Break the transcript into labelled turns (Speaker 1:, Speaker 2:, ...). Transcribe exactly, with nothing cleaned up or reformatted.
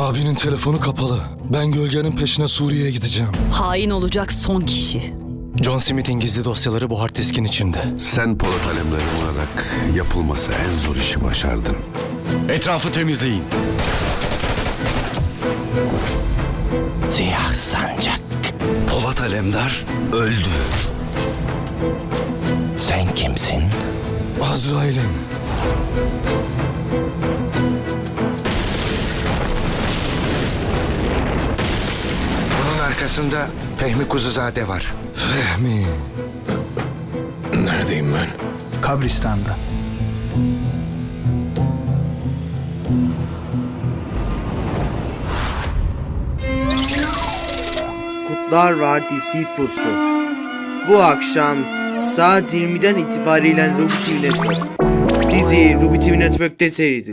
Speaker 1: Abinin telefonu kapalı. Ben gölgenin peşine Suriye'ye gideceğim.
Speaker 2: Hain olacak son kişi.
Speaker 1: John Smith'in gizli dosyaları bu hard diskin içinde.
Speaker 3: Sen Polat Alemdar olarak yapılması en zor işi başardın.
Speaker 1: Etrafı temizleyin.
Speaker 4: Siyah sancak.
Speaker 3: Polat Alemdar öldü.
Speaker 4: Sen kimsin?
Speaker 1: Azrail'in.
Speaker 5: Bunun arkasında Fehmi Kuzuzade var.
Speaker 1: Fehmi.
Speaker 3: Neredeyim ben?
Speaker 6: Kabristan'da.
Speaker 7: Kurtlar Vadisi Pusu. Bu akşam saat yirmiden itibaren Ruby T V Network. Dizi Ruby T V Network'te seyredilir.